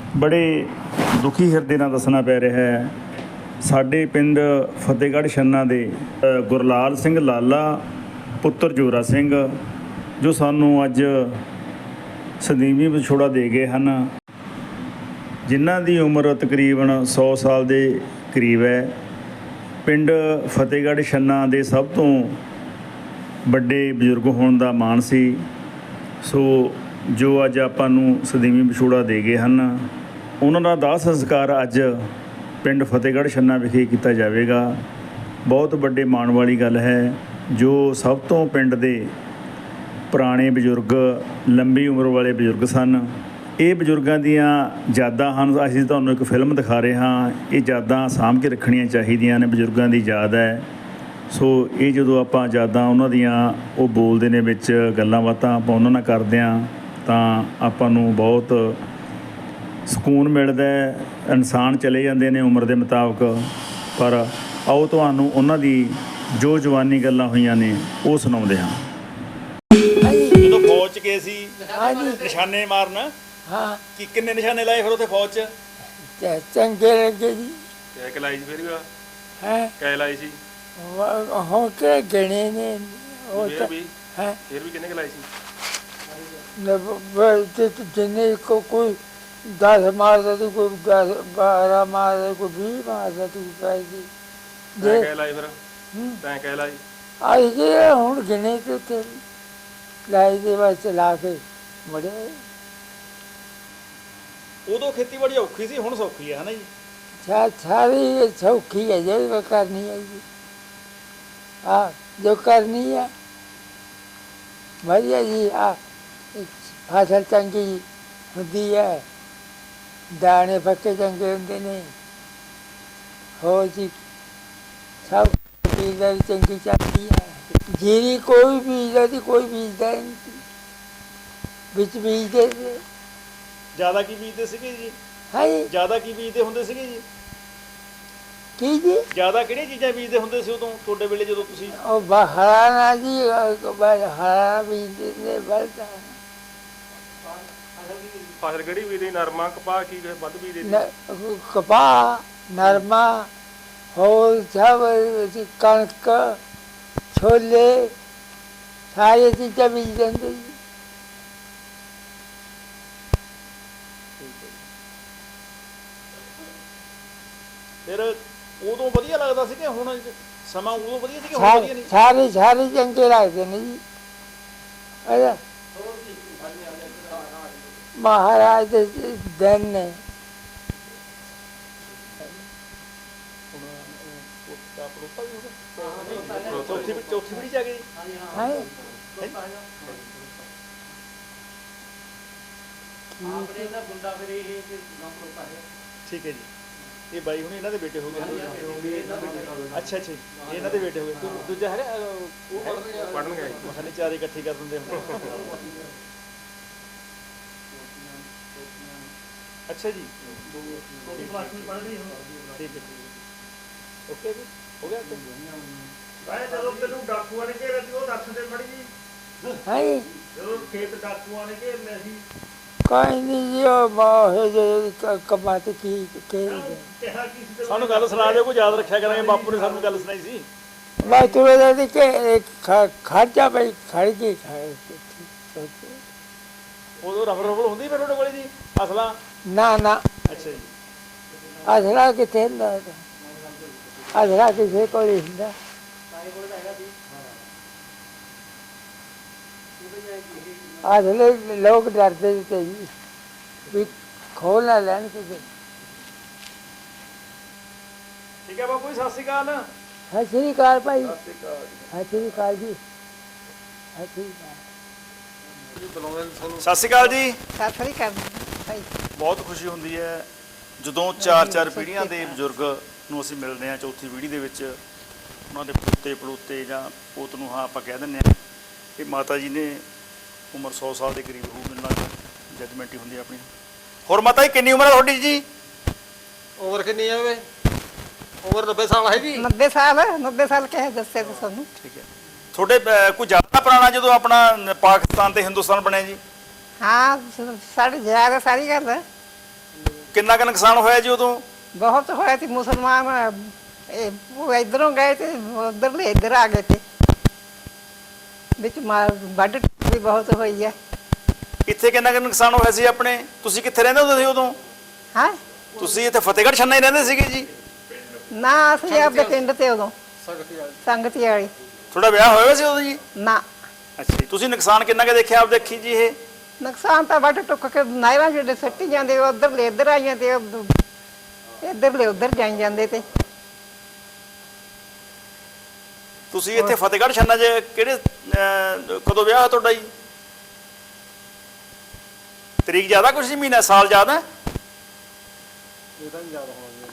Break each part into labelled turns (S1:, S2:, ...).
S1: बड़े दुखी ਹਿਰਦੇ ਨਾਲ ਦੱਸਣਾ ਪੈ ਰਿਹਾ ਹੈ ਸਾਡੇ ਪਿੰਡ ਫਤਿਹਗੜ੍ਹ ਛੰਨਾ ਦੇ ਗੁਰਲਾਲ ਸਿੰਘ ਲਾਲਾ ਪੁੱਤਰ ਜੋਰਾ ਸਿੰਘ ਜੋ ਸਾਨੂੰ ਅੱਜ ਸਦੀਵੀ ਵਿਛੋੜਾ ਦੇ ਗਏ ਹਨ, ਜਿਨ੍ਹਾਂ ਦੀ ਉਮਰ ਤਕਰੀਬਨ 100 ਸਾਲ ਦੇ ਕਰੀਬ ਹੈ। ਪਿੰਡ ਫਤਿਹਗੜ੍ਹ ਛੰਨਾ ਦੇ ਸਭ ਤੋਂ ਵੱਡੇ ਬਜ਼ੁਰਗ ਹੋਣ ਦਾ ਮਾਣ ਸੀ। ਸੋ ਜੋ ਅੱਜ ਆਪਾਂ ਨੂੰ ਸਦੀਵੀ ਵਿਛੋੜਾ ਦੇ ਗਏ ਹਨ, ਉਹਨਾਂ ਦਾ ਦਾਹ ਸੰਸਕਾਰ ਅੱਜ ਪਿੰਡ ਫਤਿਹਗੜ੍ਹ ਛੰਨਾ ਵਿਖੇ ਕੀਤਾ ਜਾਵੇਗਾ। ਬਹੁਤ ਵੱਡੇ ਮਾਣ ਵਾਲੀ ਗੱਲ ਹੈ। ਜੋ ਸਭ ਤੋਂ ਪਿੰਡ ਦੇ ਪੁਰਾਣੇ ਬਜ਼ੁਰਗ, ਲੰਬੀ ਉਮਰ ਵਾਲੇ ਬਜ਼ੁਰਗ ਸਨ, ਇਹ ਬਜ਼ੁਰਗਾਂ ਦੀਆਂ ਯਾਦਾਂ ਹਨ। ਅਸੀਂ ਤੁਹਾਨੂੰ ਇੱਕ ਫਿਲਮ ਦਿਖਾ ਰਹੇ ਹਾਂ। ਇਹ ਯਾਦਾਂ ਸਾਂਭ ਕੇ ਰੱਖਣੀਆਂ ਚਾਹੀਦੀਆਂ ਨੇ, ਬਜ਼ੁਰਗਾਂ ਦੀ ਯਾਦ ਹੈ। ਸੋ ਇਹ ਜਦੋਂ ਆਪਾਂ ਯਾਦਾਂ ਉਹਨਾਂ ਦੀਆਂ ਉਹ ਬੋਲਦੇ ਨੇ ਵਿੱਚ ਗੱਲਾਂ ਬਾਤਾਂ ਆਪਾਂ ਉਹਨਾਂ ਨਾਲ ਕਰਦੇ ਹਾਂ ਤਾਂ ਆਪਾਂ ਨੂੰ ਬਹੁਤ ਸਕੂਨ ਮਿਲਦਾ ਹੈ। ਇਨਸਾਨ ਚਲੇ ਜਾਂਦੇ ਨੇ ਉਮਰ ਦੇ ਮੁਤਾਬਕ, ਪਰ ਆਓ ਤੁਹਾਨੂੰ ਉਹਨਾਂ ਦੀ ਜੋ ਜਵਾਨੀ ਗੱਲਾਂ ਹੋਈਆਂ ਨੇ ਉਹ ਸੁਣਾਉਂਦੇ ਹਾਂ। ਜਦੋਂ ਫੌਜ 'ਚ ਗਏ ਸੀ ਨਿਸ਼ਾਨੇ ਮਾਰਨ,
S2: ਹਾਂ
S1: ਕਿ ਕਿੰਨੇ ਨਿਸ਼ਾਨੇ ਲਾਏ ਫਿਰ ਉੱਥੇ ਫੌਜ 'ਚ?
S2: ਚੰਗੇ ਲੱਗੇ ਜੀ।
S1: ਕਹਿ ਲਾਈ ਸੀ ਫਿਰ ਵੀ?
S2: ਹੈ
S1: ਕਹਿ ਲਾਈ ਸੀ
S2: ਹੋ ਕੇ ਗਣੇ ਨੇ ਉਹ
S1: ਫਿਰ ਵੀ?
S2: ਹੈ
S1: ਫਿਰ ਵੀ ਕਿੰਨੇ ਲਾਈ ਸੀ?
S2: ਜਿੰਨੇ ਕੋਈ 10 ਮਾਰਦਾ ਤੂੰ, ਕੋਈ 12 ਮਾਰਦਾ, ਕੋਈ 20 ਮਾਰਦਾ ਤੂੰ ਪੈਦੀ
S1: ਤੈਂ ਕਹਿ ਲਾਈ ਫਿਰ? ਤੈਂ ਕਹਿ ਲਾਈ?
S2: ਆਈ ਜੀ ਹੁਣ ਗਿਣੇ ਤੇ ਉੱਥੇ ਲਾਈ ਦੇ ਬਸ ਲਾ ਕੇ ਮੜੇ।
S1: ਉਦੋਂ ਖੇਤੀਬਾੜੀ ਔਖੀ ਸੀ, ਹੁਣ ਸੌਖੀ ਹੈ ਨਾ ਜੀ?
S2: ਸਾਰੀ ਸੌਖੀ ਹੈ ਜੋ ਕਰਨੀ ਹੈ ਜੀ। ਹਾਂ ਜੋ ਕਰਨੀ ਹੈ ਵਧੀਆ ਜੀ। ਫਸਲ ਚੰਗੀ ਹੁੰਦੀ ਹੈ, ਦਾਣੇ ਪੱਕੇ ਚੰਗੇ ਹੁੰਦੇ ਨੇ। ਹੋਰ ਜੀ ਸਭ ਚੀਜ਼ਾਂ ਵੀ ਚੰਗੀ ਚੱਲਦੀ ਹੈ। ਜੀਰੀ ਕੋਈ ਬੀਜਦਾ ਸੀ, ਕੋਈ ਬੀਜਦਾ ਨਹੀਂ ਸੀ, ਵਿੱਚ ਬੀਜਦੇ ਸੀ।
S1: ਜ਼ਿਆਦਾ ਕੀ ਬੀਜਦੇ ਸੀਗੇ ਜੀ?
S2: ਹੈ
S1: ਜ਼ਿਆਦਾ ਕੀ ਬੀਜਦੇ ਹੁੰਦੇ ਸੀਗੇ ਜੀ?
S2: ਕੀ ਜੀ?
S1: ਜ਼ਿਆਦਾ ਕਿਹੜੀਆਂ ਚੀਜ਼ਾਂ ਬੀਜਦੇ ਹੁੰਦੇ ਸੀ ਉਦੋਂ ਤੁਹਾਡੇ ਵੇਲੇ ਜਦੋਂ ਤੁਸੀਂ?
S2: ਉਹ ਹਰਾ ਨਾ ਜੀ, ਹਰਾ ਬੀਜਦੇ ਨੇ ਬਲਦਾ।
S1: ਫਸਲ ਕਿਹੜੀ ਬੀਜਦੇ? ਨਰਮਾ, ਕਪਾਹ, ਕੀ ਵੱਧ ਬੀਜਦੇ?
S2: ਕਪਾਹ, ਨਰਮਾ, ਹੋਰ ਸਭ ਕਣਕ, ਛੋਲੇ, ਸਾਰੀਆਂ ਚੀਜ਼ਾਂ ਬੀਜ ਦਿੰਦੇ ਜੀ।
S1: ਫਿਰ ਉਦੋਂ ਵਧੀਆ ਲੱਗਦਾ ਸੀ ਕਿ ਹੁਣ ਸਮਾਂ ਉਦੋਂ ਵਧੀਆ ਸੀ ਕਿ ਹੁਣ ਵਧੀਆ ਨਹੀਂ?
S2: ਸਾਰੇ ਚੰਗੇ ਲੱਗਦੇ ਨੇ ਜੀ। ਅੱਛਾ ਮਹਾਰਾਜ ਦੇ ਦਿਨ ਨੇ।
S1: ਚੌਥੀ ਪੀੜ੍ਹੀ 'ਚ ਆ ਗਏ ਜੀ? ਠੀਕ ਹੈ ਜੀ। ਇਹ ਬਾਈ ਹੁਣ ਇਹਨਾਂ ਦੇ ਬੇਟੇ ਹੋ ਗਏ? ਅੱਛਾ ਅੱਛਾ, ਇਹਨਾਂ ਦੇ ਬੇਟੇ ਹੋ ਗਏ। ਦੂਜਾ ਹੈਗਾ ਪੜ੍ਹਨ ਗਏ, ਮਖਾਨੇ ਚਾਰੇ ਇਕੱਠੇ ਕਰ ਦਿੰਦੇ ਹੁਣ। ਅੱਛਾ ਜੀ, ਠੀਕ ਹੈ, ਓਕੇ ਜੀ, ਹੋ ਗਿਆ। ਜਦੋਂ ਤੈਨੂੰ ਡਾਕੂਆਂ ਨੇ ਘੇਰਿਆ ਸੀ ਉਹ ਦੱਸ ਦੇ ਮੜੀ ਜੀ।
S2: ਹੈ
S1: ਜਦੋਂ ਖੇਤ ਡਾਕੂਆਂ ਨੇ ਘੇਰਨੇ ਸੀ?
S2: ਕੋਈ ਨਹੀਂ ਜੀ, ਉਹ ਮਾਹੇ ਕਮਾ ਤੇ ਕੀ
S1: ਸਾਨੂੰ ਗੱਲ ਸੁਣਾ ਦਿਓ, ਕੋਈ ਯਾਦ ਰੱਖਿਆ ਕਰਾਂਗੇ। ਬਾਪੂ ਨੇ ਸਾਨੂੰ ਗੱਲ ਸੁਣਾਈ ਸੀ।
S2: ਮੈਂ ਤੁਰੇ ਦਾ ਕਿ ਖਰਚਾ ਪਈ ਖੜ ਕੇ
S1: ਉਦੋਂ ਰਫਲ ਹੁੰਦੀ ਫਿਰ ਤੁਹਾਡੇ ਕੋਲੇ ਜੀ ਅਸਲਾ?
S2: ਨਾ ਨਾ।
S1: ਅੱਛਾ ਜੀ।
S2: ਅਸਲਾ ਕਿੱਥੇ ਹੁੰਦਾ? ਅਸਲਾ ਕਿਸੇ ਕੋਲ ਹੀ ਹੁੰਦਾ। ਅਸਲੇ ਲੋਕ ਡਰਦੇ ਤੇ ਜੀ ਵੀ ਖੋਲ ਨਾ ਲੈਣ ਕਿਸੇ।
S1: ਠੀਕ ਹੈ ਬਾਪੂ ਜੀ, ਸਤਿ ਸ਼੍ਰੀ ਅਕਾਲ।
S2: ਸਤਿ ਸ਼੍ਰੀ ਅਕਾਲ ਭਾਈ। ਸਤਿ ਸ਼੍ਰੀ ਅਕਾਲ ਜੀ। ਸਤਿ ਸ਼੍ਰੀ ਅਕਾਲ।
S1: ਸਤਿ ਸ਼੍ਰੀ ਅਕਾਲ ਜੀ।
S3: ਸਤਿ ਸ਼੍ਰੀ ਅਕਾਲ ਭਾਈ।
S1: ਬਹੁਤ ਖੁਸ਼ੀ ਹੁੰਦੀ ਹੈ ਜਦੋਂ 4 ਪੀੜ੍ਹੀਆਂ ਦੇ ਬਜ਼ੁਰਗ ਨੂੰ ਅਸੀਂ ਮਿਲਦੇ ਹਾਂ। ਚੌਥੀ ਪੀੜ੍ਹੀ ਦੇ ਵਿੱਚ ਉਹਨਾਂ ਦੇ ਪੋਤੇ ਪੜੋਤੇ ਜਾਂ ਪੋਤ ਨੂੰ ਹਾਂ ਆਪਾਂ ਕਹਿ ਦਿੰਦੇ ਹਾਂ ਕਿ ਮਾਤਾ ਜੀ ਨੇ ਉਮਰ 100 ਸਾਲ ਦੇ ਕਰੀਬ ਹੋ, ਮਿਲਣਾ ਜਜਮੈਂਟ ਹੀ ਹੁੰਦੀ ਹੈ ਆਪਣੀ। ਹੋਰ ਮਾਤਾ ਜੀ ਕਿੰਨੀ ਉਮਰ ਹੈ ਤੁਹਾਡੀ ਜੀ?
S4: ਉਮਰ ਕਿੰਨੀ ਹੈ ਵੇ? ਉਮਰ 90 ਸਾਲ ਹੈਗੀ।
S3: 90 ਸਾਲ ਕਹੇ ਦੱਸੇ ਤੇ ਸਾਨੂੰ।
S1: ਠੀਕ ਹੈ। ਤੁਹਾਡੇ ਕੋਈ ਜ਼ਿਆਦਾ ਪੁਰਾਣਾ ਜਦੋਂ ਆਪਣਾ ਪਾਕਿਸਤਾਨ ਤੇ ਹਿੰਦੁਸਤਾਨ ਬਣਿਆ ਜੀ?
S3: ਹਾਂ ਸਾਡੇ ਜ਼ਿਆਦਾ ਸਾਰੀ ਗੱਲ ਹੈ।
S1: ਕਿੰਨਾ ਕੁ ਨੁਕਸਾਨ ਹੋਇਆ ਜੀ ਉਦੋਂ?
S3: ਬਹੁਤ ਹੋਇਆ ਸੀ ਮੁਸਲਮਾਨ ਉਹ ਇਧਰੋਂ ਗਏ ਤੇ ਉਧਰਲੇ ਇੱਧਰ ਆ ਗਏ ਤੇ ਵਿੱਚ ਮਾਰ ਵੱਢ ਵੀ ਬਹੁਤ ਹੋਈ ਹੈ।
S1: ਇੱਥੇ ਕਿੰਨਾ ਕੁ ਨੁਕਸਾਨ ਹੋਇਆ ਸੀ ਆਪਣੇ? ਤੁਸੀਂ ਕਿੱਥੇ ਰਹਿੰਦੇ ਹੁੰਦੇ ਸੀ ਉਦੋਂ?
S3: ਹਾਂ
S1: ਤੁਸੀਂ ਇੱਥੇ ਫਤਿਹਗੜ੍ਹ ਛੰਨਾ ਹੀ ਰਹਿੰਦੇ ਸੀਗੇ ਜੀ?
S3: ਨਾ ਅਸੀਂ ਆਪਦੇ ਪਿੰਡ ਤੇ ਉਦੋਂ ਸੰਗਤੀ ਵਾਲੀ।
S1: ਤੁਹਾਡਾ ਵਿਆਹ ਹੋਇਆ ਸੀ ਉਦੋਂ ਜੀ?
S3: ਨਾ
S1: ਅੱਛਾ ਜੀ। ਤੁਸੀਂ ਨੁਕਸਾਨ ਕਿੰਨਾ ਕੁ ਦੇਖਿਆ ਆਪ ਦੇਖੀ ਜੀ ਇਹ?
S3: ਨੁਕਸਾਨ ਤਾਂ ਵੱਢ ਟੁੱਕ ਕੇ ਨਾਇਰਾਂ ਜਿਹੜੇ ਸੱਟੀ ਜਾਂਦੇ ਉਧਰਲੇ ਇੱਧਰ ਆਈਆਂ ਤੇ ਇੱਧਰਲੇ ਉਧਰ ਜਾਈ ਜਾਂਦੇ ਤੇ।
S1: ਤੁਸੀਂ ਇੱਥੇ ਫਤਿਹਗੜ੍ਹ ਛੰਨਾ 'ਚ ਕਿਹੜੇ ਕਦੋਂ ਵਿਆਹ ਹੋਇਆ ਤੁਹਾਡਾ ਜੀ? ਤਰੀਕ ਜ਼ਿਆਦਾ ਕੁਛ ਜੀ, ਮਹੀਨਾ ਸਾਲ ਜ਼ਿਆਦਾ?
S4: ਇਹਦਾ ਵੀ ਯਾਦ ਹੋਣਾ ਜੀ।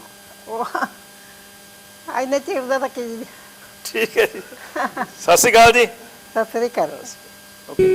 S3: ਉਹ ਇੰਨੇ ਚਿਰ ਦਾ ਤਾਂ ਕੀ।
S1: ਠੀਕ ਹੈ ਜੀ। ਸਤਿ ਸ਼੍ਰੀ ਅਕਾਲ ਜੀ।
S3: ਸਤਿ ਸ੍ਰੀ ਅਕਾਲ।
S1: ਓਕੇ।